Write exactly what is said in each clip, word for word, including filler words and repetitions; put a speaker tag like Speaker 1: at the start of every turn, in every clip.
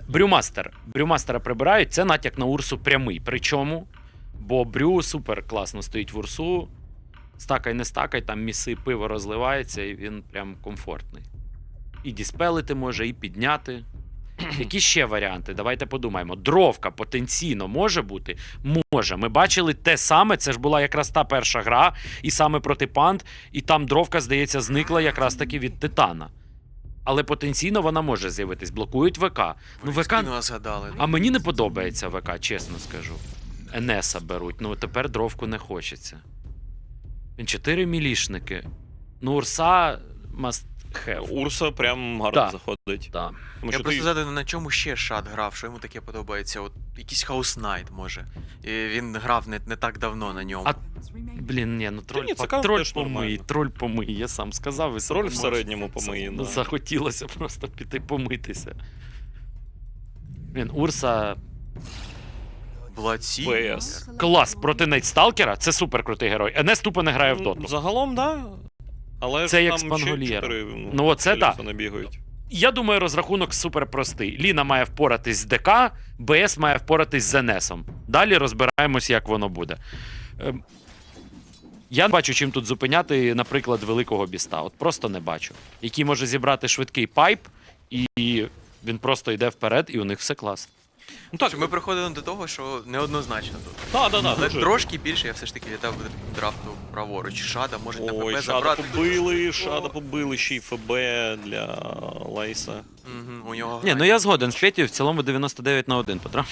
Speaker 1: Брюмастер. Брюмастера прибирають, це натяк на Урсу прямий. Причому, бо Брю супер класно стоїть в Урсу. Стакай не стакай, там міси пиво розливається, і він прям комфортний. І діспелити може, і підняти. Які ще варіанти? Давайте подумаємо. Дровка потенційно може бути? Може. Ми бачили те саме, це ж була якраз та перша гра, і саме проти Панд, і там дровка, здається, зникла якраз таки від Титана. Але потенційно вона може з'явитись. Блокують ВК. Ну, ВК...
Speaker 2: згадали.
Speaker 1: А мені не подобається ВК, чесно скажу. Енеса беруть, ну тепер дровку не хочеться. Він чотири мілішники. Ну, Урса must have.
Speaker 3: Урса прям гарно
Speaker 1: Да.
Speaker 3: заходить.
Speaker 1: Да.
Speaker 3: Тому
Speaker 2: Я
Speaker 3: що
Speaker 2: просто
Speaker 3: ти...
Speaker 2: згадую, на чому ще Шад грав, що йому таке подобається. От якийсь Хаус Найт, може. І він грав не, не так давно на ньому.
Speaker 1: А, блін, ні, ну троль,
Speaker 3: ні, це
Speaker 1: по- троль
Speaker 3: теж
Speaker 1: помий,
Speaker 3: нормально.
Speaker 1: троль помий, я сам сказав. І
Speaker 3: Роль в
Speaker 1: сам
Speaker 3: середньому помиє.
Speaker 1: Ну,
Speaker 3: Да.
Speaker 1: захотілося просто піти помитися. Блін, Урса...
Speaker 2: Бладсі.
Speaker 3: ПС.
Speaker 1: Клас, проти Найтсталкера, це супер крутий герой. Енес тупо не грає в доту.
Speaker 3: Ну, загалом, так. Да. Але
Speaker 1: Це
Speaker 3: ж
Speaker 1: як
Speaker 3: там
Speaker 1: Спангольєр.
Speaker 3: ще чотири,
Speaker 1: Ну, оце
Speaker 3: Еліса
Speaker 1: так.
Speaker 3: не бігають.
Speaker 1: Я думаю, розрахунок супер простий. Ліна має впоратись з ДК, БС має впоратись з Енесом. Далі розбираємось, як воно буде. Ем, Я не бачу, чим тут зупиняти, наприклад, великого біста. От просто не бачу. Який може зібрати швидкий пайп, і він просто йде вперед, і у них все клас.
Speaker 3: Ну так,
Speaker 2: Ми приходимо до того, що неоднозначно тут.
Speaker 3: да, да, да,
Speaker 2: Але
Speaker 3: дуже.
Speaker 2: трошки більше я все ж таки вітав драфту праворуч. Шада може на
Speaker 3: Ой,
Speaker 2: ФБ
Speaker 3: Шада
Speaker 2: забрати.
Speaker 3: побили, Шада побили, ще й ФБ для Лейса.
Speaker 2: Угу, у нього
Speaker 1: Ні, ну я згоден з Петю, в цілому дев'яносто дев'ять на один, Петро.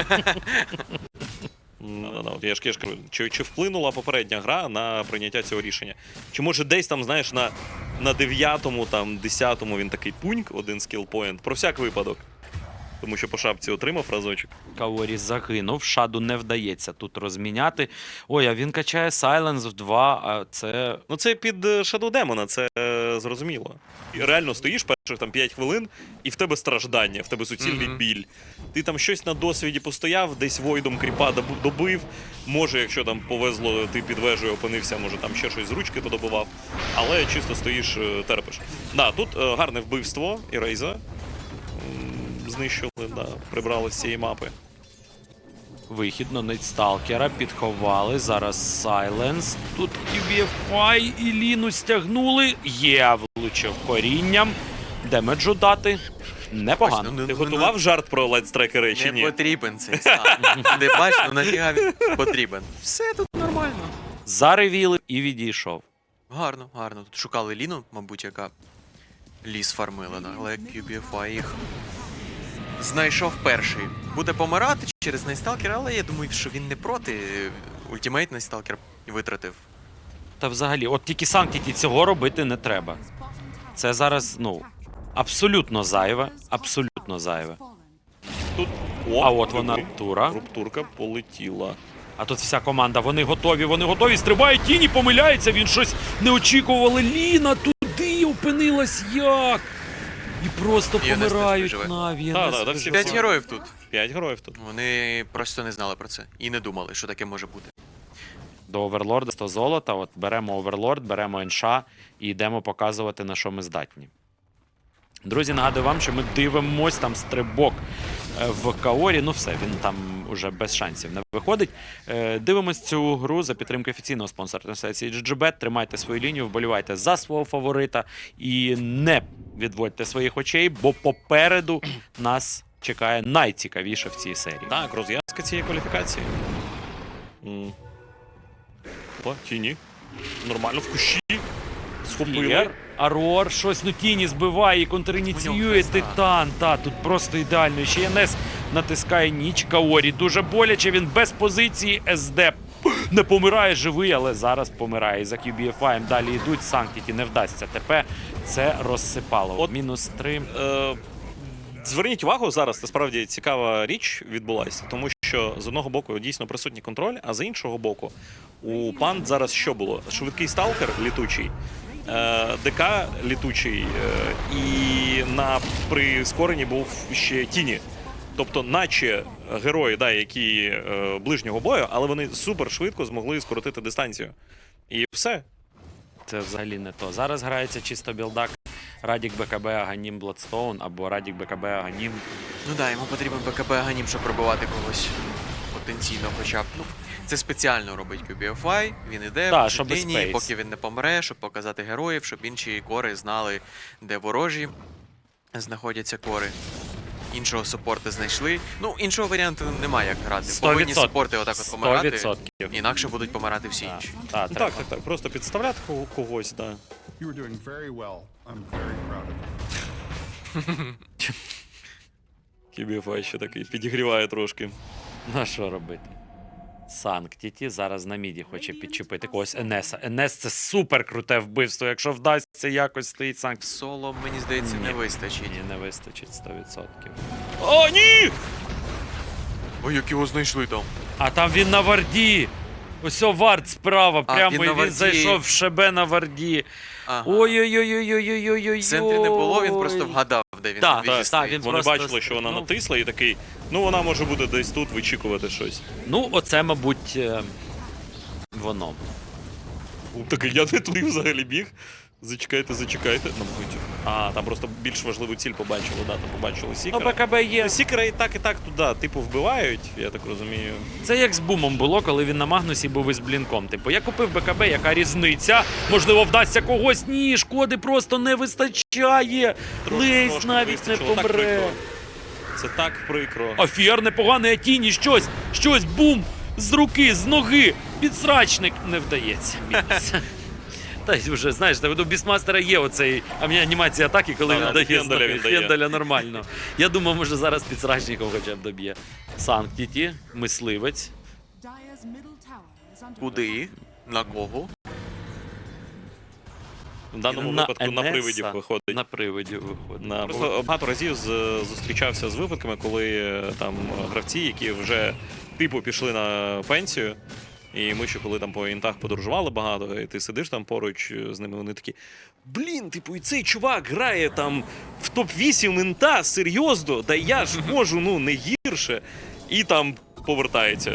Speaker 3: Ну, от я ж я ж кажу, чи, чи вплинула попередня гра на прийняття цього рішення? Чи може десь там, знаєш, на, на дев'ятому, там, десятому він такий пуньк, один скілпоінт, про всяк випадок. Тому що по шапці отримав разочок.
Speaker 1: Каорі загинув, Шаду не вдається тут розміняти. Ой, а він качає Сайленс в два, а це...
Speaker 3: Ну це під Shadow Demon, це е, зрозуміло. І реально стоїш перших там п'ять хвилин, і в тебе страждання, в тебе суцільний
Speaker 2: Мгм.
Speaker 3: біль. Ти там щось на досвіді постояв, десь войдом кріпа добу- добив. Може, якщо там повезло, ти під вежею опинився, може там ще щось з ручки подобивав. Але чисто стоїш, е, терпиш. Да, тут е, гарне вбивство і Рейза. М, Знищили, да, прибрали з цієї мапи.
Speaker 1: Вихід на Найтсталкера, підховали, зараз Сайленс. Тут кю бі еф ай і Ліну стягнули. Є, влучив корінням. Демеджу дати. Непогано.
Speaker 2: Ну,
Speaker 3: Ти
Speaker 2: ну,
Speaker 3: готував жарт про лайтстрекери чи
Speaker 2: Не
Speaker 3: ні?
Speaker 2: потрібен цей стан. Ти бачиш, ну нафіга він потрібен. Все тут нормально.
Speaker 1: Заревіли і відійшов.
Speaker 2: Гарно, гарно. Тут шукали Ліну, мабуть, яка ліс фармила, да? Але кю бі еф ай їх знайшов перший. Буде помирати через Найсталкера, але я думаю, що він не проти. Ультимейт Найсталкер витратив.
Speaker 1: Та взагалі, от тільки Санктіті цього робити не треба. Це зараз, ну, абсолютно зайве, абсолютно зайве.
Speaker 3: Тут
Speaker 1: А от вона,
Speaker 3: диви,
Speaker 1: тура.
Speaker 3: Руптурка полетіла.
Speaker 1: А тут вся команда, вони готові, вони готові, стрибає тіні, помиляється, він щось не очікували. Ліна туди опинилась як? І просто
Speaker 2: І Енес
Speaker 1: помирають
Speaker 2: теж виживе.
Speaker 1: Наві.
Speaker 3: Да,
Speaker 1: Енес
Speaker 3: да, да, всі
Speaker 1: виживе.
Speaker 2: П'ять героїв тут.
Speaker 3: П'ять героїв тут.
Speaker 2: Вони просто не знали про це. І не думали, що таке може бути.
Speaker 1: До Оверлорда сто золота, от беремо Оверлорд, беремо Енша і йдемо показувати, на що ми здатні. Друзі, нагадую вам, що ми дивимось, там стрибок е, в Каорі, ну все, він там уже без шансів не виходить. Е, Дивимось цю гру за підтримки офіційного спонсора трансляції джі джі бет. Тримайте свою лінію, вболівайте за свого фаворита і не відводьте своїх очей, бо попереду нас чекає найцікавіше в цій серії.
Speaker 3: Так, розв'язка цієї кваліфікації. М. О, тіні. Нормально в кущі. Схопили.
Speaker 1: Флір, Арор, щось, ну тіні збиває і
Speaker 2: У
Speaker 1: контриніціює
Speaker 2: нього
Speaker 1: Титан. Та, тут просто ідеально. Ще Енес натискає ніч. Каорі дуже боляче, він без позиції. ес де не помирає, живий, але зараз помирає. І за кю бі еф ай далі йдуть. Санктіті не вдасться. ТП це розсипало.
Speaker 3: От,
Speaker 1: Мінус три.
Speaker 3: Е, зверніть увагу, зараз насправді цікава річ відбулася, тому що з одного боку дійсно присутній контроль, а з іншого боку у Панд зараз що було? Швидкий сталкер літучий, е, ДК літучий, е, і на прискоренні був ще тіні. Тобто, наче герої, да, які е, ближнього бою, але вони супер швидко змогли скоротити дистанцію. І все.
Speaker 1: Це взагалі не то. Зараз грається чисто білдак Радік БКБ Аганім Бладстоун або Радік БКБ Аганім.
Speaker 2: Ну да, йому потрібен БКБ Аганім, щоб пробивати когось потенційно хоча б. Ну, це спеціально робить кю бі еф ай, він іде
Speaker 1: Да,
Speaker 2: в
Speaker 1: щоб
Speaker 2: лінії,
Speaker 1: спейс.
Speaker 2: поки він не помре, щоб показати героїв, щоб інші кори знали, де ворожі знаходяться кори. Іншого супорта знайшли. Ну, іншого варіанту немає, як грати.
Speaker 1: сто
Speaker 2: Повинні
Speaker 1: відсотків.
Speaker 2: супорти отак от
Speaker 1: сто
Speaker 2: помирати,
Speaker 1: відсотків.
Speaker 2: інакше будуть помирати всі
Speaker 1: Так,
Speaker 2: інші.
Speaker 1: так,
Speaker 3: Ну,
Speaker 1: треба.
Speaker 3: так, так, так. Просто підставляти кого- когось, так.
Speaker 4: You are doing very well. I'm very proud of you.
Speaker 3: кю бі еф ай ще такий підігріває трошки.
Speaker 1: Ну а що робити? Санктіті зараз на міді хоче підчепити когось Енеса. Енес це супер круте вбивство. Якщо вдасться якось стоїть Санкт.
Speaker 2: Соло, мені здається, не
Speaker 1: Ні.
Speaker 2: вистачить.
Speaker 1: Ні, не вистачить сто відсотків.
Speaker 3: О, ні!
Speaker 2: Ой, як його знайшли там.
Speaker 1: А там він на варді. Ось о, вард справа,
Speaker 2: А,
Speaker 1: прямо
Speaker 2: він
Speaker 1: і
Speaker 2: на
Speaker 1: він
Speaker 2: варді.
Speaker 1: зайшов в шебе на варді.
Speaker 2: Ага.
Speaker 1: Ой-ой-ой-ой-ой-ой-ой-ой.
Speaker 2: В центрі не було, він просто вгадав, де він
Speaker 1: Так,
Speaker 2: на віжі
Speaker 1: так, так,
Speaker 2: стоїть.
Speaker 1: він
Speaker 3: Вони
Speaker 1: просто
Speaker 3: бачили, що вона
Speaker 1: стрибнув.
Speaker 3: натисла, і такий, ну вона може буде десь тут вичікувати щось.
Speaker 1: Ну, оце, мабуть, е, воно.
Speaker 3: Такий, я не туди взагалі біг. Зачекайте, зачекайте. Ну, мабуть. А, там просто більш важливу ціль побачили, да, там побачили
Speaker 1: Ну,
Speaker 3: Сікера.
Speaker 1: БКБ є.
Speaker 3: Ну, Сікера і так, і так туди, типу, вбивають, я так розумію.
Speaker 1: Це як з бумом було, коли він на Магнусі був із блінком. Типу, я купив БКБ, яка різниця? Можливо, вдасться когось? Ні, шкоди просто не вистачає.
Speaker 3: Трошки,
Speaker 1: Лейс
Speaker 3: трошки
Speaker 1: навіть не
Speaker 3: вистачило. Так
Speaker 1: помре.
Speaker 3: прикро. Це так прикро.
Speaker 1: Афір непоганий, а тіні щось, щось, бум, з руки, з ноги, підсрачник не вдається. Мінус. Та й вже, знаєш, у Бісмастера є оцей анімація атаки, коли
Speaker 3: Да,
Speaker 1: він
Speaker 3: да,
Speaker 1: дає
Speaker 3: Хенделя
Speaker 1: з ноги.
Speaker 3: він дає.
Speaker 1: Хенделя нормально. Я думав, може зараз підсрачником хоча б доб'є. Санктіті, мисливець.
Speaker 5: Dire's middle tower is under
Speaker 2: Куди? На кого?
Speaker 3: В даному
Speaker 1: На
Speaker 3: випадку на
Speaker 1: Енеса.
Speaker 3: привидів виходить.
Speaker 1: На привиді виходить.
Speaker 3: На, просто багато разів з, зустрічався з випадками, коли е, там гравці, які вже типу пішли на пенсію, і ми ще коли там по інтах подорожували багато, і ти сидиш там поруч з ними, вони такі: блін, типу, і цей чувак грає там в топ вісім інта, серйозно, да я ж можу, ну, не гірше. І там повертається.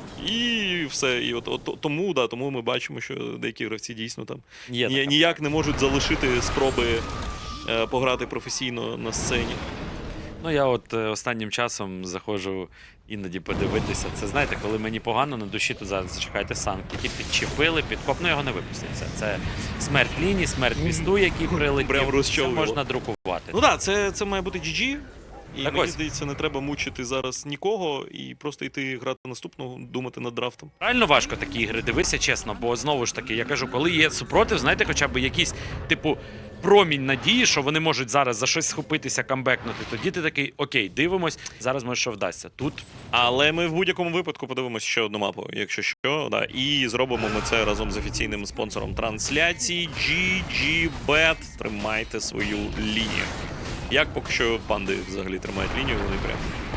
Speaker 3: І все. І от, от тому, да, тому ми бачимо, що деякі гравці дійсно там
Speaker 1: Є
Speaker 3: ні,
Speaker 1: така.
Speaker 3: ніяк не можуть залишити спроби е, пограти професійно на сцені.
Speaker 1: Ну, я от е, останнім часом заходжу іноді подивитися. Це, знаєте, коли мені погано на душі, то зараз зачекайте Санктіті, підчепили, підкоп, ну його не випуститься. Це смерть лінії, смерть місту, який прилетів.
Speaker 3: Прям
Speaker 1: Це
Speaker 3: розчавило.
Speaker 1: можна друкувати.
Speaker 3: Ну так, да, це, це має бути джі джі. І
Speaker 1: Так
Speaker 3: мені
Speaker 1: ось.
Speaker 3: здається, не треба мучити зараз нікого і просто йти грати наступного, думати над драфтом.
Speaker 1: Реально важко такі ігри дивитися, чесно, бо знову ж таки, я кажу, коли є супротив, знаєте, хоча б якийсь, типу, промінь надії, що вони можуть зараз за щось схопитися, камбекнути, тоді ти такий, окей, дивимось, зараз може що вдасться. Тут
Speaker 3: Але ми в будь-якому випадку подивимося ще одну мапу, якщо що, да. І зробимо ми це разом з офіційним спонсором трансляції джі джі бет. Тримайте свою лінію. Як поки що панди взагалі тримають лінію, вони прям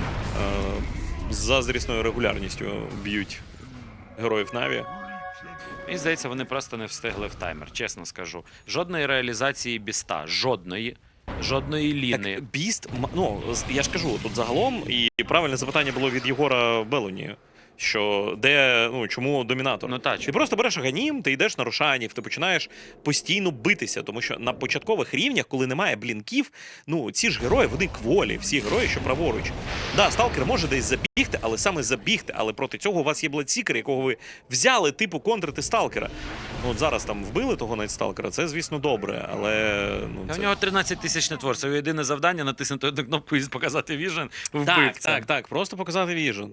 Speaker 3: е- з заздрісною регулярністю б'ють героїв Наві.
Speaker 1: мені здається, вони просто не встигли в таймер, чесно скажу. Жодної реалізації біста, жодної, жодної ліни.
Speaker 3: Так, Біст, м- ну, з- я ж кажу, тут загалом, і правильне запитання було від Єгора Белоні, що де, ну, чому домінатор?
Speaker 1: Ну, та,
Speaker 3: Ти
Speaker 1: чому?
Speaker 3: просто береш Аганім, ти йдеш на Рошанів, ти починаєш постійно битися, тому що на початкових рівнях, коли немає блінків, ну, ці ж герої, вони кволі, всі герої, що праворуч. Да, сталкер може десь забігти, але саме забігти, але проти цього у вас є Бладсікер, якого ви взяли, типу, контрити сталкера. Ну, от зараз там вбили того Найтсталкера, це, звісно, добре, але, ну,
Speaker 1: Та
Speaker 3: це...
Speaker 1: У нього тринадцять тисяч нетворців. Його єдине завдання натиснути одну кнопку і показати віжен вбивця.
Speaker 3: Так, так, так, просто показати віжен.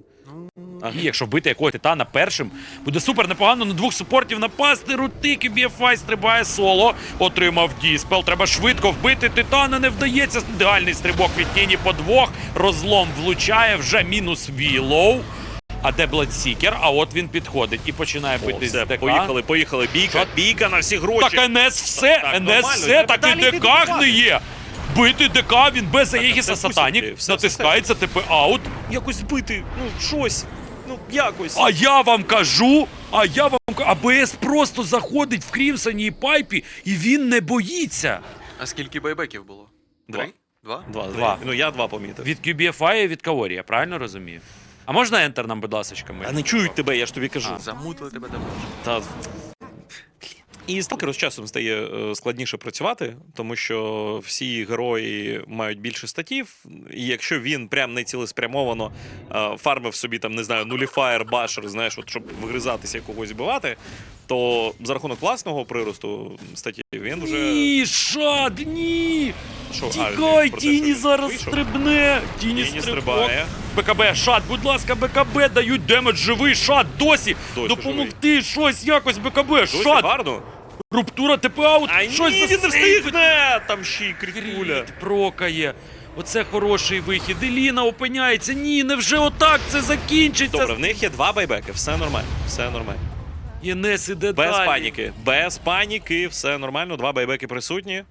Speaker 1: І якщо бити якогось титана першим, буде супер непогано на двох супортів напасти. Рути, кю бі еф ай стрибає соло. Отримав діспел. Треба швидко вбити титана. Не вдається. Ідеальний стрибок від тіні по двох. Розлом влучає. Вже мінус Вілоу. А де Бладсікер? А от він підходить і починає
Speaker 3: О,
Speaker 1: бити
Speaker 3: все,
Speaker 1: з ДК.
Speaker 3: поїхали, поїхали, бійка,
Speaker 1: Що?
Speaker 3: бійка на всі гроші.
Speaker 1: Так НС все,
Speaker 3: Так,
Speaker 1: НС
Speaker 3: нормально,
Speaker 1: все,
Speaker 3: треба
Speaker 1: так і
Speaker 3: далі йти
Speaker 1: ДК
Speaker 3: добивати.
Speaker 1: гниє. Бити ДК, він без Аєгіса
Speaker 3: все,
Speaker 1: Сатанік,
Speaker 3: все, все,
Speaker 1: натискається, типу аут.
Speaker 3: Якось збити, ну, щось, ну, якось.
Speaker 1: А я вам кажу, а я вам кажу, АБС просто заходить в Крімсоні і Пайпі, і він не боїться.
Speaker 2: А скільки байбеків було?
Speaker 3: Два.
Speaker 2: Три? Два?
Speaker 3: Два,
Speaker 1: Два.
Speaker 3: два. Ну, я два помітив.
Speaker 1: Від кю бі еф ай і від Каорі, я правильно розумію? А можна ентер нам, будь ласка, ми?
Speaker 3: А не чують тебе, я ж тобі кажу.
Speaker 1: А.
Speaker 2: Замутили тебе давно.
Speaker 3: Та... І сталкеру з часом стає е, складніше працювати, тому що всі герої мають більше статів, і якщо він прям не цілеспрямовано е, фармив собі там, не знаю, нуліфаєр, башер, знаєш, от, щоб вигризатися і когось вбивати, то за рахунок власного приросту статів він вже...
Speaker 1: Ні, шад, ні!
Speaker 3: Що, а,
Speaker 1: Тікай,
Speaker 3: про те, що
Speaker 1: Тіні
Speaker 3: він
Speaker 1: зараз
Speaker 3: вийшов?
Speaker 1: стрибне! Тіні,
Speaker 3: Тіні
Speaker 1: стрибок.
Speaker 3: стрибає.
Speaker 1: БКБ, шад, будь ласка, БКБ, дають демедж, живий, шад, досі!
Speaker 3: Досі
Speaker 1: Допомогти, щось, якось, БКБ,
Speaker 3: Досі
Speaker 1: шад!
Speaker 3: гарно.
Speaker 1: Рубтура, ТП-аут,
Speaker 3: А
Speaker 1: щось
Speaker 3: ні, він не
Speaker 1: засейвить.
Speaker 3: встигне! Там ще й крикуля.
Speaker 1: Кріт прокає. Оце хороший вихід. Еліна опиняється. Ні, невже отак це закінчиться?
Speaker 3: Добре, в них є два байбеки, все нормально, все нормально.
Speaker 1: Єнес іде
Speaker 3: Без
Speaker 1: далі.
Speaker 3: паніки, без паніки, все нормально, два байбеки присутні.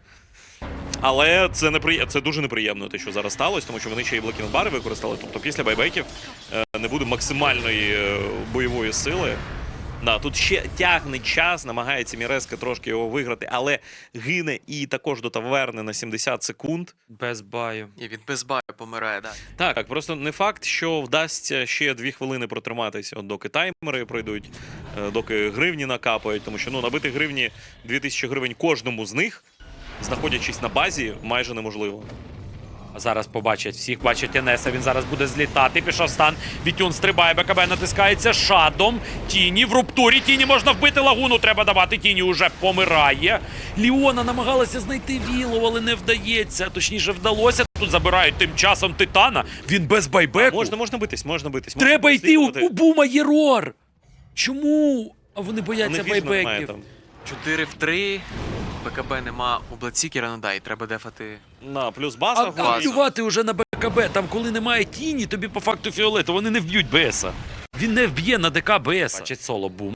Speaker 3: Але це неприє... це дуже неприємно, те, що зараз сталося, тому що вони ще й блокінг-бари використали. Тобто після байбеків е, не буде максимальної е, бойової сили. Да, тут ще тягне час, намагається Міреска трошки його виграти, але гине і також до таверни на сімдесят секунд.
Speaker 1: Без баю.
Speaker 2: І він без баю помирає, да.
Speaker 3: Так, просто не факт, що вдасться ще дві хвилини протриматися, от доки таймери пройдуть, е, доки гривні накапають, тому що ну, набити гривні дві тисячі гривень кожному з них, знаходячись на базі, майже неможливо.
Speaker 1: А зараз побачать всіх, бачать Енеса, він зараз буде злітати, пішов стан, Вітюн стрибає, БКБ натискається шадом, Тіні в руптурі, Тіні можна вбити, лагуну треба давати, Тіні уже помирає. Ліона намагалася знайти Віллоу, але не вдається, точніше вдалося, тут забирають тим часом Титана, він без байбеку.
Speaker 3: Можна, можна битись, можна битись. можна
Speaker 1: Треба йти у,
Speaker 3: слідувати.
Speaker 1: у Бума є рор. Чому? А вони
Speaker 3: У
Speaker 1: бояться
Speaker 3: них віжна немає
Speaker 1: байбеків.
Speaker 3: там.
Speaker 2: чотири в три. БКБ нема у Бладсікера, ну да, і треба дефати.
Speaker 3: На, плюс
Speaker 1: А,
Speaker 3: база.
Speaker 1: а
Speaker 3: горить.
Speaker 1: плювати уже на БКБ, там коли немає тіні, тобі по факту фіолету, вони не вб'ють БСа. Він не вб'є на ДК БСа. Бачить соло, бум.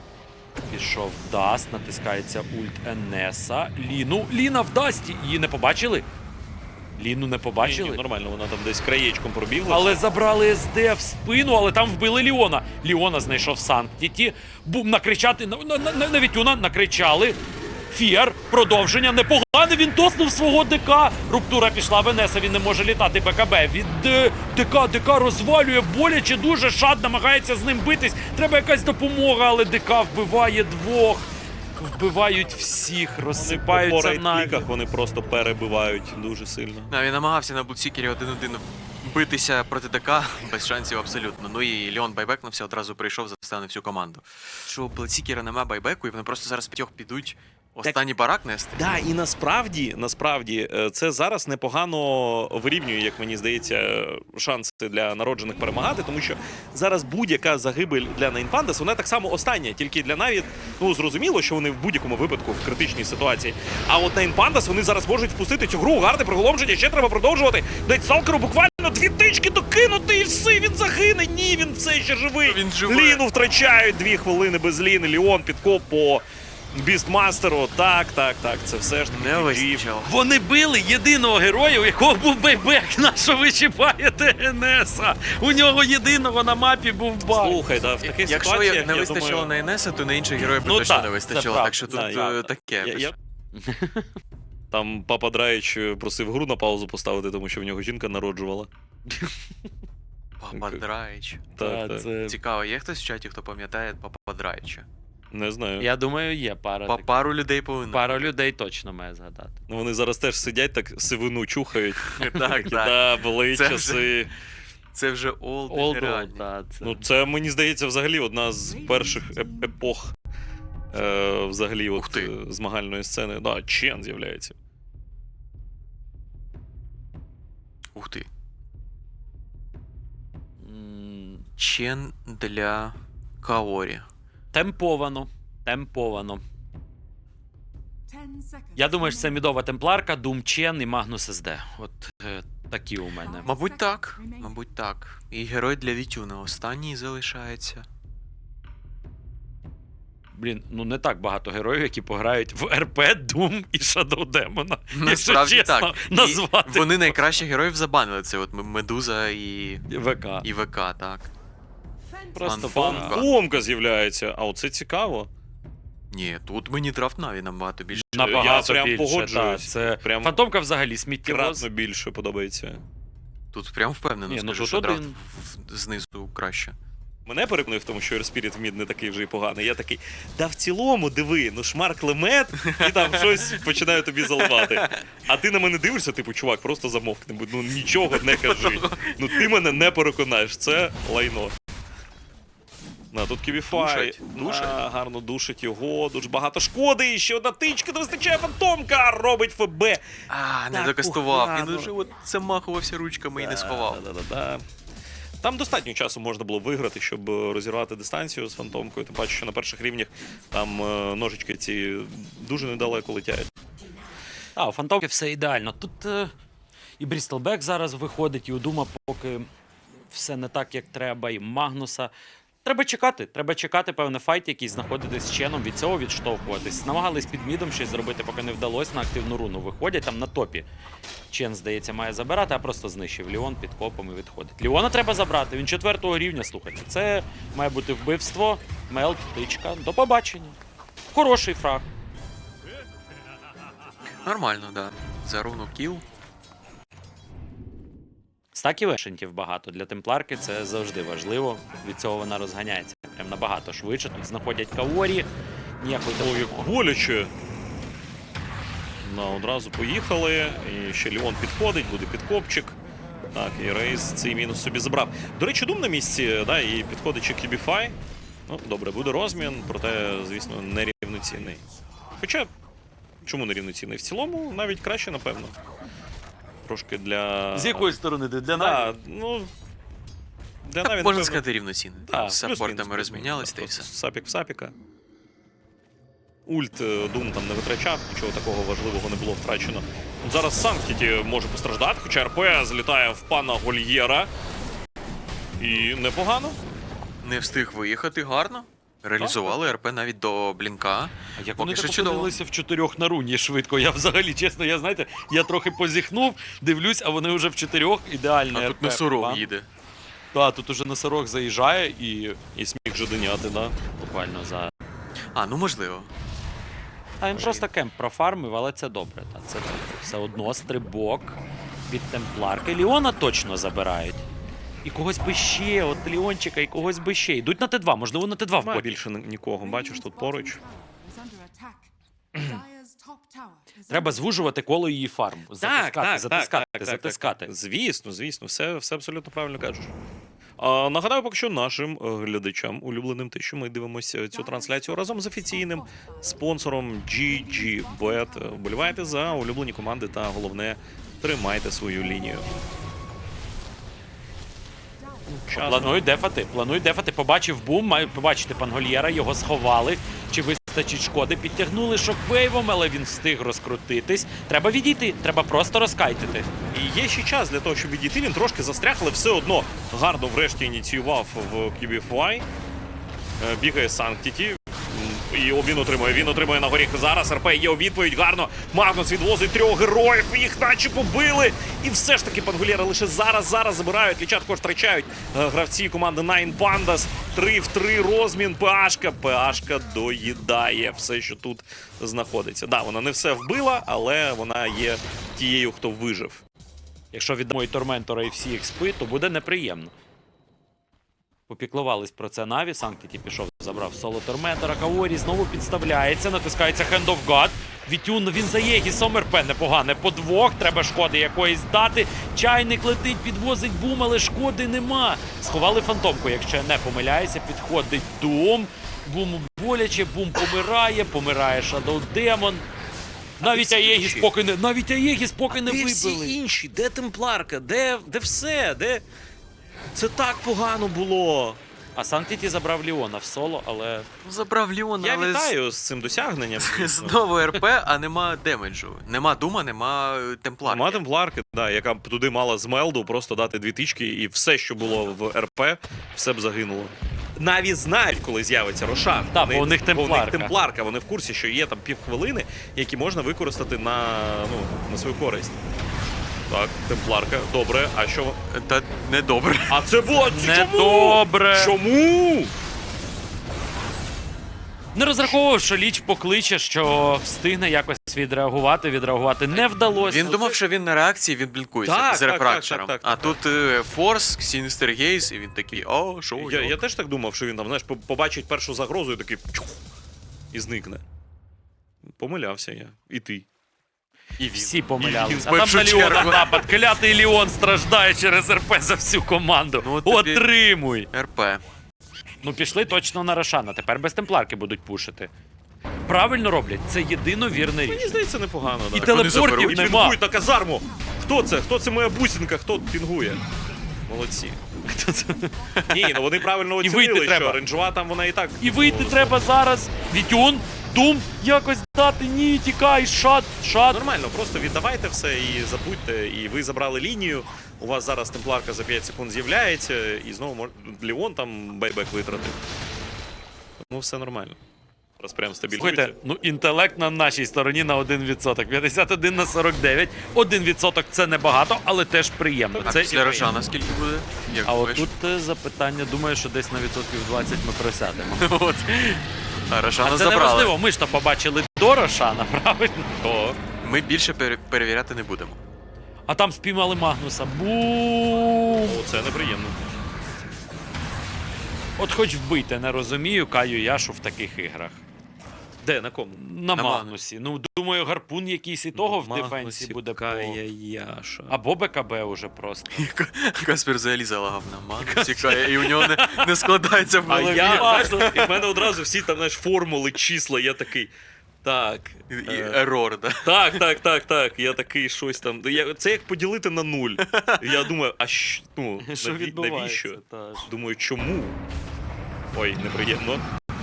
Speaker 1: Пішов Даст, натискається ульт Енеса. Ліну, Ліна вдасть, її не побачили? Ліну не
Speaker 3: Ні,
Speaker 1: побачили?
Speaker 3: ні, нормально, вона там десь краєчком пробігла.
Speaker 1: Але забрали СД в спину, але там вбили Ліона. Ліона знайшов Санктіті. Бум, накричати на, на, на, на Вітюна, накричали. Фіар, продовження, непогане, він тоснув свого ДК. Руптура пішла в Енеса, він не може літати БКБ. Від е, ДК, ДК розвалює, боляче дуже, шад намагається з ним битись. Треба якась допомога, але ДК вбиває двох. Вбивають всіх,
Speaker 3: По
Speaker 1: розсипаються на...
Speaker 3: рейд-кліках вони просто перебивають дуже сильно.
Speaker 2: Да, він намагався на Бладсікері один-один битися проти ДК, без шансів абсолютно. Ну і Леон байбекнувся, одразу прийшов, заставив всю команду. Що у Бладсікера нема байбеку, і вони просто зараз п'ятьох підуть останній барак нести.
Speaker 3: Да, і насправді, насправді, е, це зараз непогано вирівнює, як мені здається, шанси для народжених перемагати, тому що зараз будь-яка загибель для Найнпандас, вона так само остання, тільки для Наві, ну, зрозуміло, що вони в будь-якому випадку в критичній ситуації. А от Найнпандас, вони зараз можуть впустити цю гру, гарне приголомшення, ще треба продовжувати. Дать Салкеру буквально дві тички докинути і все, він загине. Ні, він все ще живий.
Speaker 2: Він живий.
Speaker 3: Ліну втрачають дві хвилини без Ліни, Ліон підкоп по Бістмастеру. Так, так, так, це все ж таки
Speaker 2: Не
Speaker 3: джі джі.
Speaker 2: вистачило.
Speaker 1: Вони били єдиного героя, у якого був байбек. На що ви чіпаєте Енеса? У нього єдиного на мапі був баг.
Speaker 3: Слухай, да, в таких
Speaker 2: Якщо
Speaker 3: ситуаціях,
Speaker 2: не
Speaker 3: я
Speaker 2: вистачило
Speaker 3: думаю,
Speaker 2: на Енеса, то на інших героїв би
Speaker 1: Ну
Speaker 2: точно
Speaker 1: так,
Speaker 2: не
Speaker 1: це
Speaker 2: вистачило.
Speaker 1: правда.
Speaker 2: Так що тут
Speaker 3: Да,
Speaker 2: е,
Speaker 3: я-
Speaker 2: таке.
Speaker 3: Я, я... Там папа Драйч просив гру на паузу поставити, тому що в нього жінка народжувала.
Speaker 2: Папа Драйч.
Speaker 3: Так,
Speaker 1: Та,
Speaker 3: так.
Speaker 1: це...
Speaker 2: Цікаво, є хтось в чаті, хто пам'ятає Папа Драйча?
Speaker 3: Не знаю.
Speaker 1: Я думаю, є пара.
Speaker 2: Па-
Speaker 1: таких.
Speaker 2: Пару людей повинно.
Speaker 1: Пара людей точно має згадати.
Speaker 3: Ну, вони зараз теж сидять, так сивину чухають.
Speaker 2: Так,
Speaker 3: Такі,
Speaker 2: так.
Speaker 3: Да, були
Speaker 2: Це
Speaker 3: часи.
Speaker 2: Це вже олд
Speaker 1: Old
Speaker 2: реально.
Speaker 1: Old, да, це...
Speaker 3: Ну, це, мені здається, взагалі одна з перших еп- епох е, взагалі
Speaker 2: Ух
Speaker 3: от,
Speaker 2: ти.
Speaker 3: е, змагальної сцени. Да, Чен з'являється.
Speaker 2: Ух ти.
Speaker 1: М,
Speaker 2: Чен для Каорі.
Speaker 1: Темповано. Темповано.
Speaker 5: Ten seconds.
Speaker 1: Я думаю, що це мідова темпларка, Doom Чен і Магнус ес де. От е, такі у мене.
Speaker 2: Мабуть, так. Мабуть, так. І герой для Вітюна останній залишається.
Speaker 1: Блін, ну не так багато героїв, які пограють в РП, Doom і Shadow Demon. Якщо
Speaker 2: Насправді
Speaker 1: чесно
Speaker 2: так.
Speaker 1: назвати.
Speaker 2: І вони найкращих героїв забанили. Це от Медуза і,
Speaker 1: ВК.
Speaker 2: і ВК, так.
Speaker 1: Просто
Speaker 2: Фанфон.
Speaker 1: фан.
Speaker 2: Фанфон.
Speaker 3: Фомка з'являється, а оце цікаво.
Speaker 2: Ні, тут мені драфт Наві набагато більше.
Speaker 1: Набагато
Speaker 3: Я прям
Speaker 1: більше,
Speaker 3: погоджуюсь.
Speaker 1: та, це...
Speaker 3: Прям
Speaker 1: Фантомка взагалі сміттєвоз.
Speaker 3: кратно більше подобається.
Speaker 2: Тут прям впевнено
Speaker 1: Ні, ну
Speaker 2: скажу,
Speaker 1: тут
Speaker 2: що драфт
Speaker 1: один.
Speaker 2: в- в- знизу краще.
Speaker 3: Мене переконує в тому, що Airspirit в мід не такий вже й поганий. Я такий, да в цілому, диви, ну шмар клемет, і там щось починає тобі заливати. А ти на мене дивишся, типу, чувак, просто замовкни, ну нічого не кажи. Ну ти мене не переконаєш, це лайно. На, тут Кібіфай.
Speaker 2: Душать, душать.
Speaker 3: А, гарно душить його, дуже багато шкоди, ще одна тичка, не вистачає фантомка, робить ФБ.
Speaker 2: А, не
Speaker 3: Так
Speaker 2: докастував. Він
Speaker 3: погано.
Speaker 2: уже от замахувався ручками і не сховав.
Speaker 3: Да-да-да-да. Там достатньо часу можна було виграти, щоб розірвати дистанцію з фантомкою. Тим паче, що на перших рівнях там е, ножички ці дуже недалеко летять.
Speaker 1: А, у Фантомки все ідеально. Тут е, і Брістелбек зараз виходить, і у Дума поки все не так, як треба, і Магнуса. Треба чекати, треба чекати, певне, файт якийсь, знаходитись з Ченом, від цього відштовхуватись. Намагались під мідом щось зробити, поки не вдалося, на активну руну виходять, там на топі. Чен, здається, має забирати, а просто знищив Ліон під копом і відходить. Ліона треба забрати, він четвертого рівня, слухайте. Це має бути вбивство, мелт, тичка. До побачення. Хороший фраг.
Speaker 2: Нормально, да. За руну кіл.
Speaker 1: Стаків ешентів багато. Для темпларки це завжди важливо. Від цього вона розганяється прям набагато швидше. Тут знаходять Каорі. Ніякої
Speaker 3: Ой, як боляче. Ну, одразу поїхали. І ще Ліон підходить, буде підкопчик. Так, і Рейс цей мінус собі забрав. До речі, Дум на місці, да, і підходить ще Кібіфай. Ну, добре, буде розмін, проте, звісно, нерівноцінний. Хоча, чому нерівноцінний? В цілому навіть краще, напевно. Трошки для...
Speaker 1: сторони? Для
Speaker 3: Да, ну... Для
Speaker 2: Так,
Speaker 3: Наві,
Speaker 2: можна
Speaker 3: напевно,
Speaker 2: сказати, рівноцінно.
Speaker 3: да,
Speaker 2: Там з
Speaker 3: плюс-мінус,
Speaker 2: саппортами
Speaker 3: плюс-мінус.
Speaker 2: розмінялись та й все.
Speaker 3: Сапік в сапіка. Ульт е, Дум там не витрачав, нічого такого важливого не було втрачено. От зараз Санктіті може постраждати, хоча РП злітає в пана Гольєра. І непогано.
Speaker 2: Не встиг виїхати гарно. Реалізували РП навіть до блінка.
Speaker 1: А як
Speaker 2: Поки
Speaker 1: вони
Speaker 2: що
Speaker 1: так
Speaker 2: чудово.
Speaker 1: опинилися в чотирьох на руні швидко? Я взагалі, чесно, я знаєте, я трохи позіхнув, дивлюсь, а вони вже в чотирьох ідеально.
Speaker 2: А тут носорог їде.
Speaker 1: Так, тут уже носорог заїжджає і
Speaker 3: І сміх жаденяти, да.
Speaker 1: буквально за.
Speaker 2: А, ну можливо.
Speaker 1: А він просто кемп профармив, але це добре. Та, це добре. Все одно стрибок від темпларки. Ліона точно забирають. І когось би ще, от Ліончика, і когось би ще. Йдуть на Т два, можливо, на Т два в
Speaker 3: Немає
Speaker 1: бой.
Speaker 3: більше ні- нікого, бачиш, тут поруч.
Speaker 1: Треба звужувати коло її фарм. Затискати, затискати, затискати.
Speaker 3: Звісно, звісно, все, все абсолютно правильно кажеш. А, нагадаю поки що нашим е, глядачам, улюбленим, те, що ми дивимося цю трансляцію разом з офіційним спонсором джі джі бет. Вболівайте за улюблені команди та, головне, тримайте свою лінію. Час.
Speaker 1: Планують дефати, планують дефати. Побачив бум, має побачити Пангольєра, його сховали. Чи вистачить шкоди? Підтягнули шоквейвом, але він встиг розкрутитись. Треба відійти, треба просто розкайтити.
Speaker 3: І є ще час для того, щоб відійти. Він трошки застряг, але все одно гарно врешті ініціював в Кібіфай. Е, Бігає Санктіті. І він отримує, він отримує на горіх зараз. РП є у відповідь, гарно. Магнус відвозить трьох героїв, їх наче побили. І все ж таки Пангольєра лише зараз, зараз забирають. Ліча також втрачають е, гравці команди Nine Pandas. Три в три розмін. ПАшка. ПАшка доїдає все, що тут знаходиться. Да, вона не все вбила, але вона є тією, хто вижив.
Speaker 1: Якщо віддамо і Торментора, і всі експи, то буде неприємно. Попіклувались про це Наві, Санктіті пішов, забрав соло Торментора, Каорі знову підставляється, натискається Hand of God. Вітюн, він за Єгісом, РП непогане по двох, треба шкоди якоїсь дати. Чайник летить, підвозить бум, але шкоди нема. Сховали фантомку, якщо я не помиляюся, підходить Дум. Буму боляче, бум помирає, помирає Shadow Demon. Навіть
Speaker 3: всі
Speaker 1: Аєгіс
Speaker 3: інші?
Speaker 1: поки не, навіть Аєгіс поки не
Speaker 3: Де
Speaker 1: вибили.
Speaker 3: всі інші? Де Темпларка? Де, де все? Де... Це так погано було.
Speaker 1: А Санктіті забрав Ліона в соло, але
Speaker 2: Забрав Ліона,
Speaker 3: Я
Speaker 2: але з-
Speaker 3: вітаю з цим досягненням. звісно.
Speaker 2: знову РП, а нема демеджу. Нема Дума, нема е, темпларки.
Speaker 3: Нема Темпларки, да, яка б туди мала з Мелду просто дати дві тички, і все, що було в РП, все б загинуло. Наві знають, коли з'явиться Рошан.
Speaker 1: Так, бо у них Темпларка.
Speaker 3: Темпларка. Вони в курсі, що є там півхвилини, які можна використати на, ну, на свою користь. Так, Темпларка, добре. А що?
Speaker 2: Та недобре.
Speaker 3: А це було чому?
Speaker 1: недобре.
Speaker 3: Чому?
Speaker 1: Не розраховував, що Ліч покличе, що встигне якось відреагувати, відреагувати не вдалося.
Speaker 2: Він думав, що він на реакції, він блінкується
Speaker 3: Так,
Speaker 2: з
Speaker 3: так,
Speaker 2: рефрактором.
Speaker 3: так, так, так,
Speaker 2: А
Speaker 3: так,
Speaker 2: тут е, Форс, Сіністер Гейз, і він такий, о, шо,
Speaker 3: Я,
Speaker 2: йо».
Speaker 3: я теж так думав, що він там, знаєш, по- побачить першу загрозу і такий чух, і зникне. Помилявся я. І ти.
Speaker 2: І він.
Speaker 1: Всі
Speaker 2: І
Speaker 1: помилялися.
Speaker 2: він в
Speaker 1: А там
Speaker 2: першу
Speaker 1: на Ліона
Speaker 2: чергу.
Speaker 1: напад. Клятий Ліон страждає через РП за всю команду.
Speaker 2: Ну, от тобі-
Speaker 1: Отримуй!
Speaker 2: РП.
Speaker 1: Ну пішли точно на Рошана. Тепер без темпларки будуть пушити. Правильно роблять, це єдино вірне
Speaker 3: Мені
Speaker 1: рішення.
Speaker 3: здається, непогано.
Speaker 1: І
Speaker 3: Да.
Speaker 2: вони
Speaker 1: телепортів
Speaker 2: заберуть.
Speaker 1: нема.
Speaker 3: Пінгують на казарму. Хто це? Хто це моя бусинка? Хто пінгує? Молодці.
Speaker 1: Хто це?
Speaker 3: Ні, ну вони правильно
Speaker 1: І
Speaker 3: оцінили,
Speaker 1: вийти
Speaker 3: що
Speaker 1: треба.
Speaker 3: рейнджова там вона і так.
Speaker 1: І вийти
Speaker 3: ну,
Speaker 1: треба зараз. Вітюн, Дум, якось дати. Ні, тікай, шат, шат.
Speaker 3: Нормально, просто віддавайте все і забудьте. І ви забрали лінію. У вас зараз темпларка за п'ять секунд з'являється, і знову мож... Леон там бейбек витратив. Ну, все нормально. Зараз прям стабілізується.
Speaker 1: Слухайте, ну інтелект на нашій стороні на один відсоток. п'ятдесят один на сорок дев'ять. один відсоток це небагато, але теж приємно.
Speaker 2: А
Speaker 1: Це
Speaker 2: після Рошана скільки буде? Як
Speaker 1: А
Speaker 2: думаєш?
Speaker 1: от тут е, запитання, думаю, що десь на відсотків двадцять ми просядемо.
Speaker 2: От. А Рошана
Speaker 1: А це
Speaker 2: забрали.
Speaker 1: неважливо, ми ж то побачили до Рошана, правильно?
Speaker 3: То
Speaker 2: Ми більше пере- перевіряти не будемо.
Speaker 1: А там спіймали Магнуса. Бум!
Speaker 3: о, це неприємно.
Speaker 1: От хоч вбити, не розумію Каю Яшу в таких іграх.
Speaker 3: Де, на кому?
Speaker 1: На,
Speaker 2: На
Speaker 1: Магнусі. Ну, думаю, гарпун якийсь і того в
Speaker 3: Магнусі,
Speaker 1: дефенсі буде. По...
Speaker 3: Кая Яша.
Speaker 1: Або БКБ уже просто.
Speaker 2: Каспер взагалі залагав на ману, тікає, і у нього не, не складається в
Speaker 3: А
Speaker 2: голові.
Speaker 3: я, знаєш, і в мене одразу всі там, знаєш, формули, числа, я такий. Так.
Speaker 2: І, і
Speaker 3: е,
Speaker 2: ерор, да.
Speaker 3: Так, так, так, так. Я такий щось там. Я, це як поділити на нуль. Я думаю, а що, ну,
Speaker 1: Що
Speaker 3: наві-
Speaker 1: відбувається?
Speaker 3: навіщо?
Speaker 1: Та ж.
Speaker 3: Думаю, чому? Ой, неприємно.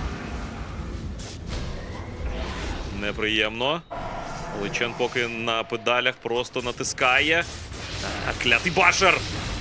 Speaker 3: Неприємно. Личен поки на педалях просто натискає. А, клятий башер!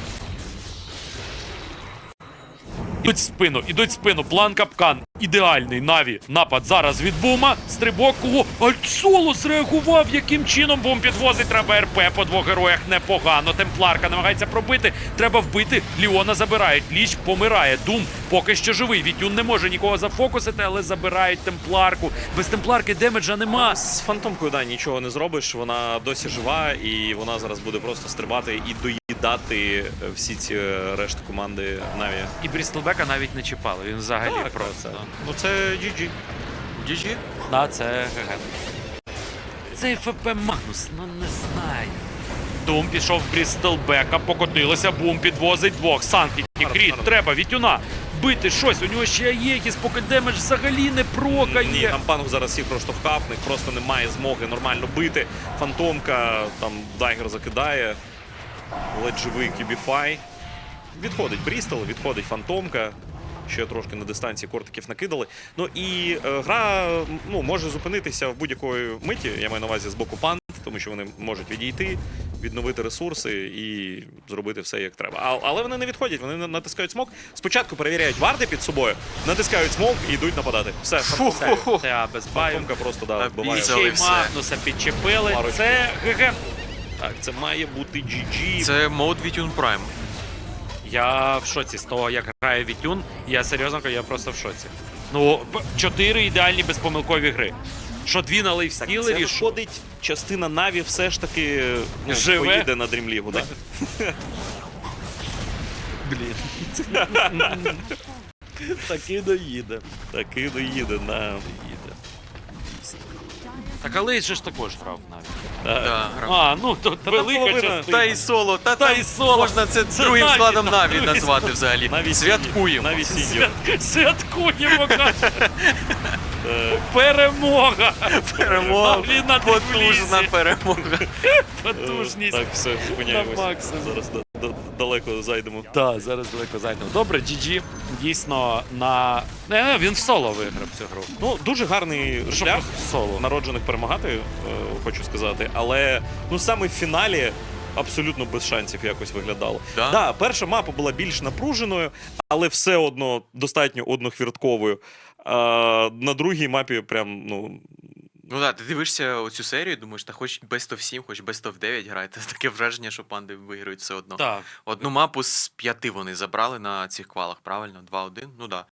Speaker 1: Ідуть в спину, ідуть в спину. План капкан. Ідеальний. Наві. Напад зараз від Бума. Стрибок. О, Альтсоло зреагував. Яким чином Бум підвозить? Треба РП по двох героях. Непогано. Темпларка намагається пробити. Треба вбити. Ліона забирають. Ліч помирає. Дум поки що живий. Вітюн не може нікого зафокусити, але забирають темпларку. Без темпларки демеджа нема.
Speaker 3: З фантомкою, да, нічого не зробиш. Вона досі жива, і вона зараз буде просто стрибати і доїдати е, всі ці е, решти команди Наві.
Speaker 1: І Брістлбека навіть не чіпали. Він взагалі
Speaker 3: Так,
Speaker 1: просто.
Speaker 3: так. Ну це джі джі.
Speaker 2: джі джі?
Speaker 1: Да, це ГГ. Цей ФП Магнус, ну не знаю. Дум пішов в Брістелбека, покотилося, Бум підвозить двох. Санкті, Кріт, треба, Вітюна. Бити щось, у нього ще є якісь, поки демедж взагалі не прокає.
Speaker 3: Ні, там панг зараз всіх просто вкап, в них просто немає змоги нормально бити. Фантомка, там дайгер закидає. Ледь живий Кібіфай. Відходить Брістол, відходить Фантомка. Ще трошки на дистанції кортиків накидали. Ну і е, гра ну, може зупинитися в будь-якої миті, я маю на увазі з боку пант, тому що вони можуть відійти, відновити ресурси і зробити все як треба. А, але вони не відходять, вони натискають смок. Спочатку перевіряють варди під собою, натискають смок і йдуть нападати. Все, все.
Speaker 1: Це без баю.
Speaker 3: Фантомка просто да,
Speaker 2: А
Speaker 3: вбиває.
Speaker 2: після-
Speaker 1: Ще й
Speaker 2: все.
Speaker 1: Магнуса підчепили.
Speaker 3: Парочку.
Speaker 1: Це ГГ.
Speaker 3: Так, це має бути джі джі.
Speaker 2: Це мод Вітюн Прайм.
Speaker 1: Я в шоці з того, як грає Вітюн. Я серйозно кажу, я просто в шоці. Ну, п- чотири ідеальні безпомилкові гри. Що дві на
Speaker 3: Так, це
Speaker 1: лейфстілері, що...
Speaker 3: виходить, частина Наві все ж таки ну,
Speaker 1: Живе?
Speaker 3: поїде на Дрімлігу, так?
Speaker 1: Блін. Таки доїде.
Speaker 3: Таки доїде на.
Speaker 1: Так, але же ж також грав навіть.
Speaker 2: Да, грав.
Speaker 1: А, ну тут велика
Speaker 3: половина.
Speaker 1: частина.
Speaker 2: Та і соло, та,
Speaker 1: Та
Speaker 2: там
Speaker 1: і соло.
Speaker 2: можна це,
Speaker 1: Це
Speaker 2: другим
Speaker 1: Наві,
Speaker 2: складом
Speaker 1: там
Speaker 2: Наві
Speaker 1: другий
Speaker 2: назвати взагалі.
Speaker 3: Наві
Speaker 2: Святкуємо.
Speaker 3: Наві сіньор.
Speaker 1: Свят... Святкуємо, каже. Перемога!
Speaker 2: Перемога.
Speaker 1: Наві на
Speaker 2: Потужна
Speaker 1: Тбілісі.
Speaker 2: перемога.
Speaker 1: Потужність.
Speaker 3: Так, все, зупиняємось.
Speaker 1: На максимум.
Speaker 3: Зараз да- да- далеко зайдемо.
Speaker 1: Так, зараз далеко зайдемо. Добре, джі джі дійсно на. Не, він в соло виграв цю гру.
Speaker 3: Ну, дуже гарний
Speaker 1: Що
Speaker 3: шлях
Speaker 1: просто в соло.
Speaker 3: народжених перемагати, е, хочу сказати. Але ну саме в фіналі абсолютно без шансів якось виглядало.
Speaker 2: Да?
Speaker 3: Да, перша мапа була більш напруженою, але все одно достатньо однохвіртковою. А на другій мапі прям, ну.
Speaker 2: Ну так, ти дивишся оцю серію, думаєш, та хоч Best of сім, хоч Best of дев'ять грайте. Таке враження, що панди виграють все одно.
Speaker 1: Так.
Speaker 2: Одну мапу з п'яти вони забрали на цих квалах, правильно? два один? Ну да.